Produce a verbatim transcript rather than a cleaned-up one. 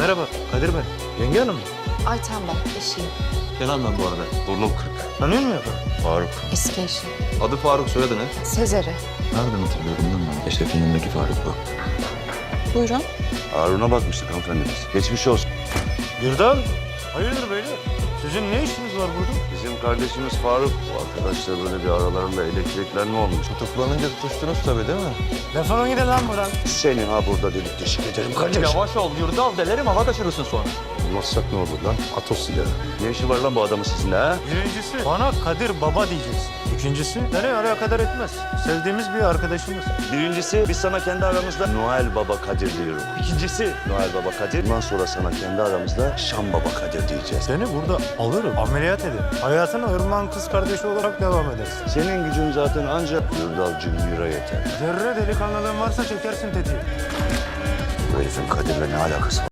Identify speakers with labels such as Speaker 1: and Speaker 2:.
Speaker 1: Merhaba, Kadir ben. Yenge hanım mı?
Speaker 2: Ayten ben, eşiyim.
Speaker 3: Kenan ben bu arada. Burnum kırık.
Speaker 1: Tanıyor musun ya?
Speaker 3: Faruk.
Speaker 2: Eski eşim.
Speaker 3: Adı Faruk, soyadı ne?
Speaker 2: Sezer'i.
Speaker 3: Nereden hatırlıyorum lan ben? Eşref'in yanındaki Faruk bu.
Speaker 2: Buyurun.
Speaker 4: Harun'a bakmıştık hanımefendimiz. Geçmiş olsun.
Speaker 1: Birdan. Hayırdır beyler? Sizin ne işiniz var burada?
Speaker 4: Bizim kardeşimiz Faruk. Bu arkadaşlar böyle bir aralarında elektriklenme olmuş.
Speaker 3: Tutuklanınca tutuştunuz tabii değil mi?
Speaker 1: Defolun gidin lan buradan.
Speaker 4: Seni ha burada delik deşik ederim kardeş.
Speaker 3: Yavaş ol, yurda al delerim, hava kaçırırsın sonra.
Speaker 4: Olmazsak ne olur lan? At o silahı. Ne işi var lan bu adamın sizinle ha?
Speaker 1: Birincisi bana Kadir Baba diyeceksin. İkincisi beni alakadar etmez. Sevdiğimiz bir arkadaşımız.
Speaker 4: Birincisi biz sana kendi aramızda Noel Baba Kadir diyorum. İkincisi Noel Baba Kadir. Bundan sonra sana kendi aramızda Şam Baba Kadir diyeceğiz.
Speaker 1: Seni burada alırım, ameliyat ederim. Hayatına Irmak'ın kız kardeşi olarak devam edersin.
Speaker 4: Senin gücün zaten ancak Yurdal Cümbür'e yeter.
Speaker 1: Zerre delikanlılığın varsa çekersin tetiği.
Speaker 4: Bu herifin Kadir'le ne alakası var?